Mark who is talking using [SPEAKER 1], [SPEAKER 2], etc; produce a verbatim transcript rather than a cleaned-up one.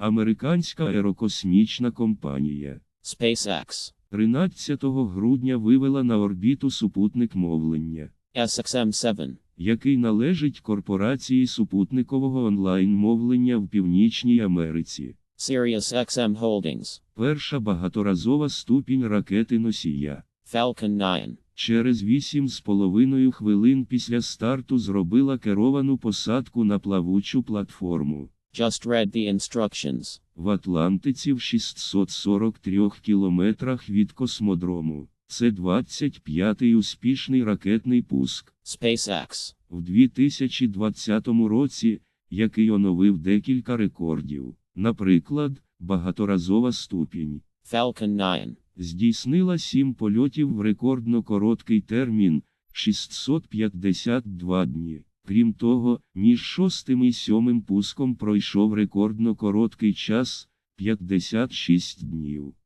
[SPEAKER 1] Американська аерокосмічна компанія
[SPEAKER 2] SpaceX.
[SPEAKER 1] тринадцятого грудня вивела на орбіту супутник мовлення,
[SPEAKER 2] S X M seven.
[SPEAKER 1] який належить корпорації супутникового онлайн-мовлення в Північній Америці.
[SPEAKER 2] Sirius X M Holdings.
[SPEAKER 1] Перша багаторазова ступінь ракети-носія.
[SPEAKER 2] Falcon nine.
[SPEAKER 1] Через вісім з половиною хвилин після старту зробила керовану посадку на плавучу платформу.
[SPEAKER 2] Just read the instructions.
[SPEAKER 1] В Атлантиці в шістсот сорок трьох кілометрах від космодрому. Це двадцять п'ятий успішний ракетний пуск.
[SPEAKER 2] SpaceX.
[SPEAKER 1] В дві тисячі двадцятому році, який оновив декілька рекордів. Наприклад, багаторазова ступінь
[SPEAKER 2] Falcon nine.
[SPEAKER 1] здійснила сім польотів в рекордно короткий термін – шістсот п'ятдесят два дні. Крім того, між шостим і сьомим пуском пройшов рекордно короткий час – п'ятдесят шість днів.